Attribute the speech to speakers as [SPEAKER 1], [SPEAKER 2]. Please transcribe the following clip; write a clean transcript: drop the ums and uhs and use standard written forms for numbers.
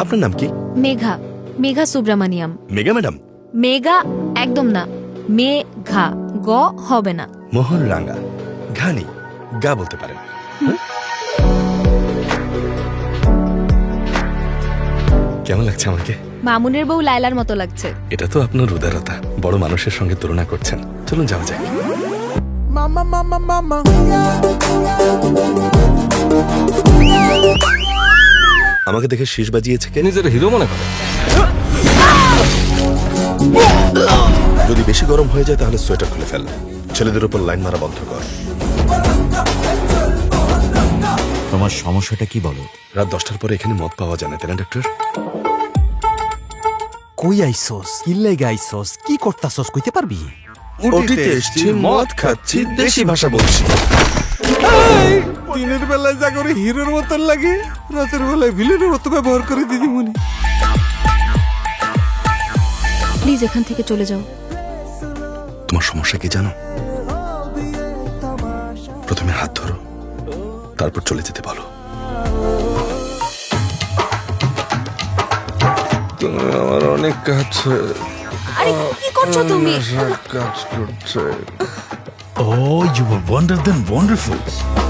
[SPEAKER 1] আপনার নাম কি?
[SPEAKER 2] মেঘা, মেঘা সুব্রামানিয়াম।
[SPEAKER 1] মেঘা ম্যাডাম?
[SPEAKER 2] মেঘা একদম না, মেঘা, গ হবে না।
[SPEAKER 1] মোহন রাঙ্গা, ঘানি, গা বলতে পারেন। কেমন লাগছে আমাকে?
[SPEAKER 2] মামুনের বউ লায়লার মতো লাগছে।
[SPEAKER 1] এটা তো আপনার উদারতা, বড় মানুষের সঙ্গে তুলনা করছেন। চলুন যাওয়া যাক। আমাকে দেখে শীষ বাজিয়েছে কে?
[SPEAKER 3] নিজের হিরো মনে করে।
[SPEAKER 1] যদি বেশি গরম হয়ে যায় তাহলে সোয়েটার খুলে ফেল। ছেলেদের উপর লাইন মারা বন্ধ কর।
[SPEAKER 4] তোমার সমস্যাটা কি বলো?
[SPEAKER 1] রাত 10টার পরে এখানে মদ পাওয়া যায় না, তাই না ডক্টর?
[SPEAKER 4] কই আইসোস, কি লেগে আইসোস, কি করতাছস কইতে পারবি?
[SPEAKER 1] ওটিতে এসছি, মদ খাচ্ছি, দেশি ভাষা বলছি।
[SPEAKER 3] দিনের বেলায় যা করে হিরোর মতন লাগে, রাতের বেলায় ভিলেনের মতো ব্যবহার করে দিদিমণি।
[SPEAKER 2] প্লিজ এখান থেকে চলে যাও।
[SPEAKER 1] তোমার সমস্যা কি জানো? প্রথমে হাত ধরো, তারপর চলে যেতে বলো।
[SPEAKER 3] তুমি আমার অনেক কাজ
[SPEAKER 2] আরে কি করছো তুমি?
[SPEAKER 3] কাজ করছে।
[SPEAKER 4] Oh, you were wonder than wonderful.